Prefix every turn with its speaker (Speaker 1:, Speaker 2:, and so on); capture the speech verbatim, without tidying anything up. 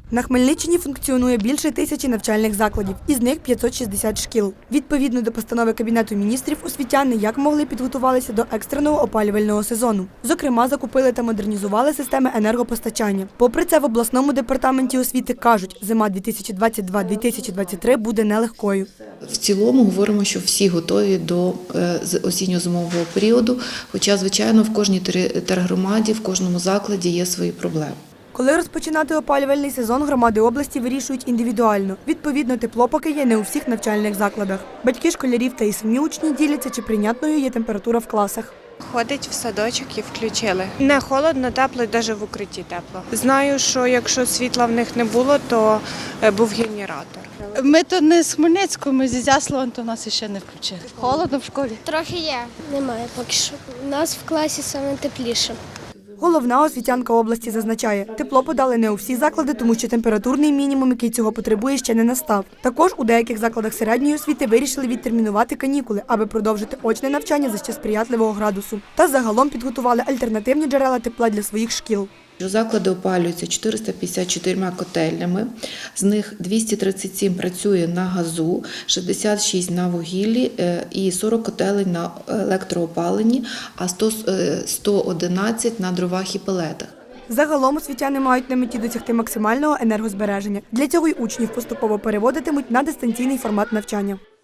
Speaker 1: На Хмельниччині функціонує більше тисячі навчальних закладів, із них п'ятсот шістдесят шкіл. Відповідно до постанови Кабінету міністрів, освітяни як могли підготувалися до екстреного опалювального сезону. Зокрема, закупили та модернізували системи енергопостачання. Попри це, в обласному департаменті освіти кажуть, зима дві тисячі двадцять два - дві тисячі двадцять три буде нелегкою.
Speaker 2: В цілому говоримо, що всі готові до осінньо-зимового періоду, хоча, звичайно, в кожній тергромаді, в кожному закладі є свої проблеми.
Speaker 1: Коли розпочинати опалювальний сезон, громади області вирішують індивідуально. Відповідно, тепло поки є не у всіх навчальних закладах. Батьки школярів та і самі учні діляться, чи прийнятною є температура в класах.
Speaker 3: Ходить в садочок і включили. Не холодно, тепло, і навіть в укритті тепло. Знаю, що якщо світла в них не було, то був генератор.
Speaker 4: Ми то не з Хмельницького, ми з Ізяслава, то нас ще не включили. Холодно в школі?
Speaker 5: Трохи є. Немає поки що. У нас в класі саме тепліше.
Speaker 1: Головна освітянка області зазначає, тепло подали не у всі заклади, тому що температурний мінімум, який цього потребує, ще не настав. Також у деяких закладах середньої освіти вирішили відтермінувати канікули, аби продовжити очне навчання за ще сприятливого градусу. Та загалом підготували альтернативні джерела тепла для своїх шкіл.
Speaker 2: Заклади опалюються чотириста п'ятдесят чотирма котельнями, з них двісті тридцять сім працює на газу, шістдесят шість на вугіллі і сорок котелень на електроопаленні, а сто одинадцять на дровах і пелетах.
Speaker 1: Загалом освітяни мають на меті досягти максимального енергозбереження. Для цього й учнів поступово переводитимуть на дистанційний формат навчання.